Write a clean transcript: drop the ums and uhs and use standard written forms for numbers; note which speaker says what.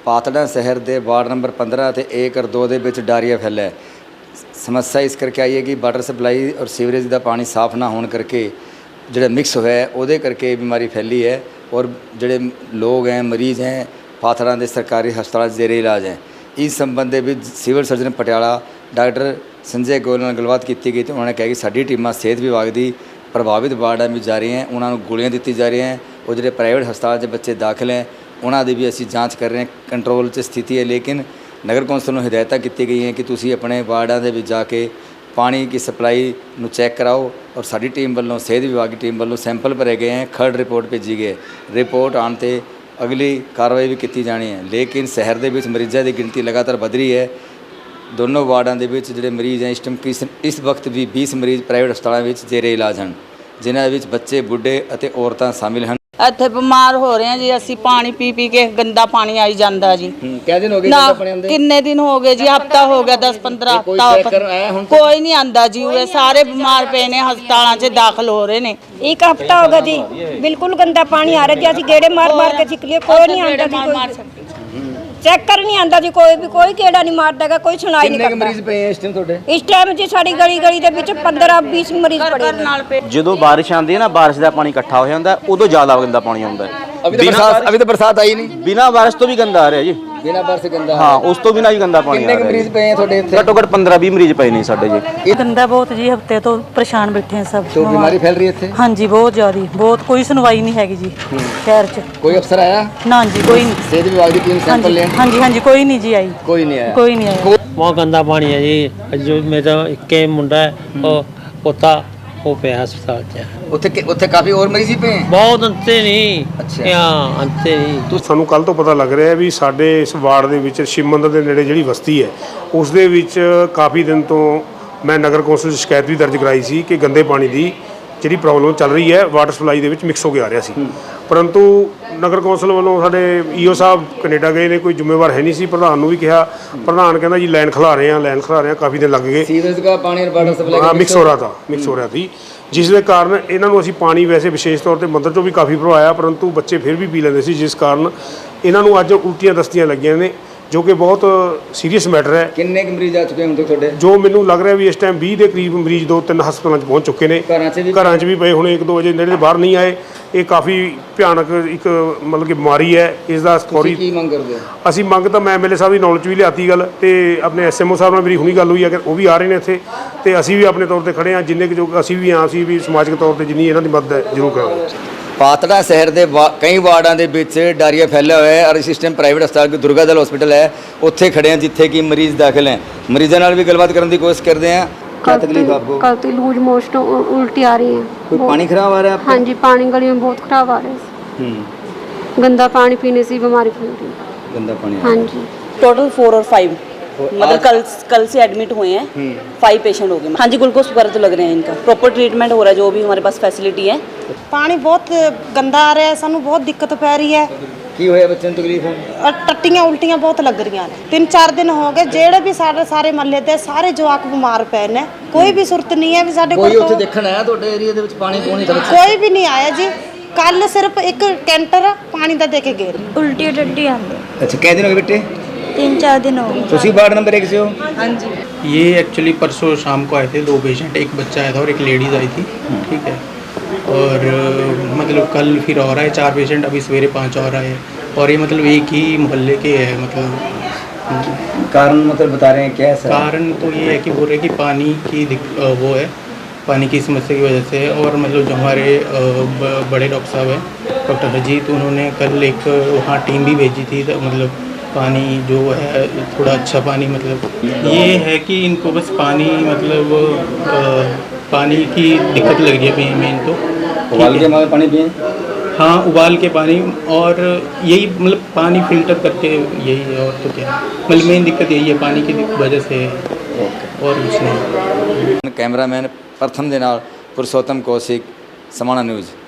Speaker 1: पातड़ा शहर के ward number 15 ਤੇ 1/2 ਦੇ ਵਿੱਚ ਡਾਇਰੀਆ ਫੈਲਿਆ ਹੈ। समस्या इस करके आई है कि वाटर सप्लाई और सीवरेज का पानी साफ ना होने करके जो मिक्स होया है वो करके बीमारी फैली है। और जोड़े लोग हैं मरीज़ हैं पाथड़ा के सरकारी हस्पताल जेरे इलाज हैं। इस संबंध में civil surgeon Patiala doctor Sanjay Goyal नाल गलबात की गई तो उन्होंने कहा कि साडी टीमां सेहत विभाग की प्रभावित वार्डां में जा रही हैं, उन्होंने गोलियां दी जा रही हैं। और जो प्राइवेट हस्पताल से बच्चे दाखिल हैं उन्होंने भी असी जाँच कर रहे हैं, कंट्रोल च स्थिति है। लेकिन नगर कौंसल नूं हिदायतां की गई हैं कि तुसीं अपने वार्डां दे विच जाके पानी की सप्लाई नूं चैक कराओ। और साडी टीम वालों सेहत विभाग की टीम वालों सैंपल भरे गए हैं, खर्ड रिपोर्ट भेजी गई है। रिपोर्ट आने ते अगली कार्रवाई भी की जानी है। लेकिन शहर के विच मरीज़ों की गिनती लगातार बढ़ रही है। दोनों वार्डां दे विच जिहड़े मरीज़ हैं इस वक्त भी 20 मरीज़ प्राइवेट हस्पतालों में जेरे इलाज हैं, जिन्हां विच बच्चे बुढ़े अते औरतां शामिल हैं।
Speaker 2: ਇੱਥੇ ਬਿਮਾਰ ਹੋ ਰਹੇ ਆ ਜੀ ਅਸੀਂ, ਪਾਣੀ ਪੀ ਪੀ ਕੇ ਗੰਦਾ ਪਾਣੀ ਆਈ ਜਾਂਦਾ ਜੀ।
Speaker 1: ਕਿੰਨੇ ਦਿਨ ਹੋ ਗਏ ਗੰਦਾ ਪਾਣੀ ਆਉਂਦੇ?
Speaker 2: ਕਿੰਨੇ ਦਿਨ ਹੋ ਗਏ ਜੀ, ਹਫਤਾ ਹੋ ਗਿਆ, 10-15 ਹਫਤਾ। ਕੋਈ ਨਹੀਂ ਆਂਦਾ ਜੀ, ਉਹ ਸਾਰੇ ਬਿਮਾਰ ਪਏ ਨੇ, ਹਸਪਤਾਲਾਂ 'ਚ ਦਾਖਲ ਹੋ ਰਹੇ ਨੇ।
Speaker 3: एक हफ्ता होगा जी, बिल्कुल गंदा पानी आ रहा जी। असं गेड़े मार मार के छिक लिए, कोई नहीं आता जी, कोई चेक कर नहीं आता जी, कोई गेड़ा नहीं मारता है, कोई सुनाई नहीं करता।
Speaker 1: मरीज पे इस टाइम ਤੁਹਾਡੇ?
Speaker 3: इस टाइम जी साड़ी गली गली ਦੇ ਵਿੱਚ 15-20 ਮਰੀਜ਼ ਪੜੇ ਨੇ।
Speaker 4: ਜਦੋਂ ਬਾਰਿਸ਼ ਆਉਂਦੀ ਹੈ ਨਾ, ਬਾਰਿਸ਼ ਦਾ ਪਾਣੀ ਇਕੱਠਾ ਹੋ ਜਾਂਦਾ, ਉਦੋਂ ਜ਼ਿਆਦਾ ਗੰਦਾ ਪਾਣੀ ਆਉਂਦਾ ਹੈ।
Speaker 1: अभी तो बरसात आई नहीं,
Speaker 4: ਬਿਨਾਂ ਬਾਰਿਸ਼ ਤੋਂ ਵੀ ਗੰਦਾ ਆ ਰਿਹਾ ਜੀ।
Speaker 1: बिना बारिश से गंदा?
Speaker 4: ਹਾਂ, ਉਸ ਤੋਂ ਬਿਨਾਂ ਵੀ ਗੰਦਾ ਪਾਣੀ ਆ
Speaker 1: कितने
Speaker 4: ਰਿਹਾ।
Speaker 1: मरीज पे हैं ਤੁਹਾਡੇ ਇੱਥੇ?
Speaker 4: ਘੱਟੋ ਘੱਟ 15-20 ਮਰੀਜ਼ ਪਏ ਨੇ ਸਾਡੇ ਜੀ।
Speaker 5: गंदा बहुत जी, हफ्ते तो परेशान बैठे हैं सब।
Speaker 1: तो बीमारी फैल रही है ਇੱਥੇ?
Speaker 5: हाँ जी, बहुत ज़्यादा, बहुत। कोई सुनवाई नहीं हैगी जी शहर च।
Speaker 1: कोई अफसर आया?
Speaker 5: ना जी, कोई नहीं।
Speaker 1: सेहत विभाग की टीम
Speaker 5: हाँ
Speaker 1: सैंपल
Speaker 5: जी,
Speaker 1: ले?
Speaker 5: हाँ जी, हाँ जी, कोई नहीं जी आई,
Speaker 1: कोई नहीं आया?
Speaker 5: कोई नहीं आया।
Speaker 6: बहुत गंदा पानी है जी। जो मेरा एक मुंडा है वो पोता वो पे हस्पताल च
Speaker 1: ਉੱਥੇ ਕਾਫੀ ਹੋਰ ਮਰੀਜ਼ ਹੀ ਪਏ हैं?
Speaker 6: बहुत अंते नहीं।
Speaker 1: अच्छा।
Speaker 6: यहाँ अंते नहीं।
Speaker 7: ਸਾਨੂੰ ਕੱਲ ਤੋਂ ਪਤਾ ਲੱਗ ਰਿਹਾ ਵੀ ਸਾਡੇ ਇਸ ਵਾਰਡ ਦੇ ਵਿੱਚ ਸ਼ਿਵ ਮੰਦਰ ਦੇ ਨੇੜੇ ਜਿਹੜੀ ਬਸਤੀ ਹੈ ਉਸ ਦੇ ਵਿੱਚ ਕਾਫੀ ਦਿਨ ਤੋਂ ਮੈਂ ਨਗਰ ਕੌਂਸਲ 'ਚ ਸ਼ਿਕਾਇਤ ਵੀ ਦਰਜ ਕਰਾਈ ਸੀ ਕਿ ਗੰਦੇ ਪਾਣੀ ਦੀ ਜਿਹੜੀ ਪ੍ਰੋਬਲਮ ਚੱਲ ਰਹੀ ਹੈ ਵਾਟਰ ਸਪਲਾਈ ਦੇ ਵਿੱਚ ਮਿਕਸ ਹੋ ਕੇ ਆ ਰਿਹਾ ਸੀ। ਪਰੰਤੂ ਨਗਰ ਕੌਂਸਲ ਵੱਲੋਂ ਸਾਡੇ ਈਓ ਸਾਹਿਬ ਕੈਨੇਡਾ ਗਏ ਨੇ, ਕੋਈ ਜ਼ਿੰਮੇਵਾਰ ਹੈ ਨਹੀਂ ਸੀ। ਪ੍ਰਧਾਨ ਨੂੰ ਵੀ ਕਿਹਾ, ਪ੍ਰਧਾਨ ਕਹਿੰਦਾ ਜੀ ਲਾਈਨ ਖਿਲਾ ਰਹੇ ਆ, ਕਾਫੀ ਦਿਨ ਲੱਗ ਗਏ।
Speaker 1: सीवरेज का पानी और वाटर सप्लाई
Speaker 7: ਹਾਂ, ਮਿਕਸ ਹੋ ਰਿਹਾ ਸੀ ਜਿਸ ਦੇ ਕਾਰਨ ਇਹਨਾਂ ਨੂੰ ਅਸੀਂ ਪਾਣੀ ਵੈਸੇ ਵਿਸ਼ੇਸ਼ ਤੌਰ ਤੇ ਮੰਦਰ ਚੋਂ ਵੀ ਕਾਫੀ ਭਰਵਾਇਆ, ਪਰੰਤੂ ਬੱਚੇ ਫਿਰ ਵੀ ਪੀ ਲੈਂਦੇ ਸੀ, ਜਿਸ ਕਾਰਨ ਇਹਨਾਂ ਨੂੰ ਅੱਜ ਉਲਟੀਆਂ ਦਸਤੀਆਂ ਲੱਗੀਆਂ ਨੇ, ਜੋ ਕਿ ਬਹੁਤ ਸੀਰੀਅਸ ਮੈਟਰ ਹੈ।
Speaker 1: कितने मरीज आ चुके हैं ਹੁਣ ਤੱਕ ਤੁਹਾਡੇ?
Speaker 7: ਜੋ ਮੈਨੂੰ ਲੱਗ ਰਿਹਾ ਵੀ ਇਸ ਟਾਈਮ 20 ਦੇ ਕਰੀਬ ਮਰੀਜ਼ 2-3 ਹਸਪਤਾਲਾਂ 'ਚ ਪਹੁੰਚ ਚੁੱਕੇ ਨੇ। ਘਰਾਂ 'ਚ ਵੀ ਪਏ ਹੋਣੇ, 1-2 ਵਜੇ ਨੇੜੇ ਬਾਹਰ ਨਹੀਂ ਆਏ। ਇਹ ਕਾਫੀ ਭਿਆਨਕ ਇੱਕ ਮਤਲਬ ਕਿ ਬਿਮਾਰੀ ਹੈ। ਇਸ ਦਾ ਫੌਰੀ
Speaker 1: ਕੀ ਮੰਗ ਕਰਦੇ ਹੋ?
Speaker 7: ਅਸੀਂ ਮੰਗ ਤਾਂ ਮੈਂ ਐਮਐਲਏ ਸਾਹਿਬ ਦੀ ਨੌਲੇਜ ਵੀ ਲਿਆਤੀ ਗੱਲ, ਤੇ ਆਪਣੇ ਐਸਐਮਓ ਸਾਹਿਬ ਨਾਲ ਮੇਰੀ ਹੁਣੀ ਗੱਲ ਹੋਈ ਹੈ ਕਿ ਉਹ ਵੀ ਆ ਰਹੇ ਨੇ ਇੱਥੇ, ਤੇ ਅਸੀਂ ਵੀ ਆਪਣੇ ਤੌਰ ਤੇ ਖੜੇ ਹਾਂ। ਜਿੰਨੇ ਕਿ ਜੋ ਅਸੀਂ ਵੀ ਹਾਂ, ਅਸੀਂ ਵੀ ਸਮਾਜਿਕ ਤੌਰ ਤੇ ਜਿੰਨੀ ਇਹਨਾਂ ਦੀ ਮਦਦ ਹੈ ਜ਼ਰੂਰ ਕਰਾਂਗੇ।
Speaker 1: पातड़ा शहर के कई वार्डों के विच डायरिया फैलिया हुआ है और इस टाइम प्राइवेट हस्पताल की दुर्गा दल हॉस्पिटल है, उत्थे खड़े हैं जिथे कि मरीज़ दाखिल हैं। मरीजों नाल भी गलबात करने की कोशिश करते हैं। क्या तकलीफ आपको?
Speaker 8: कल लूज मोशन उल्टी आ रही है।
Speaker 1: कोई पानी खराब आ रहा है आपको?
Speaker 8: हाँ जी, पानी गली में बहुत खराब आ रहा है। गंदा पानी पीने से बीमारी फैल रही है।
Speaker 1: गंदा पानी?
Speaker 8: हाँ जी।
Speaker 2: टोटल 4 और 5 मतलब कल से एडमिट हुए हैं। 5 पेशेंट हो गए। हाँ जी, ग्लूकोज वगैरह तो लग रहे हैं, इनका प्रॉपर ट्रीटमेंट हो रहा है, जो भी हमारे पास फैसिलिटी है।
Speaker 9: पानी बहुत गंदा आ रहा है, सानू बहुत दिक्कत पै रही है।
Speaker 1: की होया बच्चों को तकलीफ है?
Speaker 9: और टट्टियां उल्टियां बहुत लग रही हैं। 3-4 दिन हो गए, जेड़े भी सारे महल्ले दे सारे जवाक बीमार पै ने। कोई भी सुरत नहीं है भी साडे
Speaker 1: कोई उत्थे देखण आया ਤੁਹਾਡੇ ਏਰੀਆ ਦੇ ਵਿੱਚ ਪਾਣੀ ਪੂਣੀ ਦਾ?
Speaker 9: कोई भी नहीं आया जी। कल सिर्फ एक कैंटर पानी दा दे के गए।
Speaker 8: उल्टी टट्टी आंदी।
Speaker 1: अच्छा, कितने दिन हो गए बेटे?
Speaker 8: 3-4 दिन हो गए।
Speaker 1: ਤੁਸੀਂ वार्ड नंबर 1 से हो?
Speaker 9: हाँ जी।
Speaker 6: ये एक्चुअली परसों शाम को आए थे 2 पेशेंट, एक बच्चा आया था और एक लेडीज़ आई थी। ठीक है। और मतलब कल फिर और आए 4 पेशेंट, अभी सवेरे 5 और आए। और ये मतलब एक ही मोहल्ले के है। मतलब
Speaker 1: कारण मतलब बता रहे हैं क्या है सर?
Speaker 6: कारण तो ये है कि बोल रहे कि पानी की वो है, पानी की समस्या की वजह से। और मतलब जो हमारे बड़े डॉक्टर साहब हैं डॉक्टर अजीत, उन्होंने कल एक वहाँ टीम भी भेजी थी। तो मतलब पानी जो है थोड़ा अच्छा पानी, मतलब ये है कि इनको बस पानी मतलब पानी की दिक्कत लग रही है मेन तो।
Speaker 1: उबाल के पानी पिए?
Speaker 6: हाँ, उबाल के पानी, और यही मतलब पानी फिल्टर करके, यही है। और तो क्या, मतलब मेन दिक्कत यही है, पानी की वजह से, और कुछ नहीं।
Speaker 1: कैमरामैन प्रथम दे नाल पुरुषोत्तम कौशिक, समाना न्यूज़।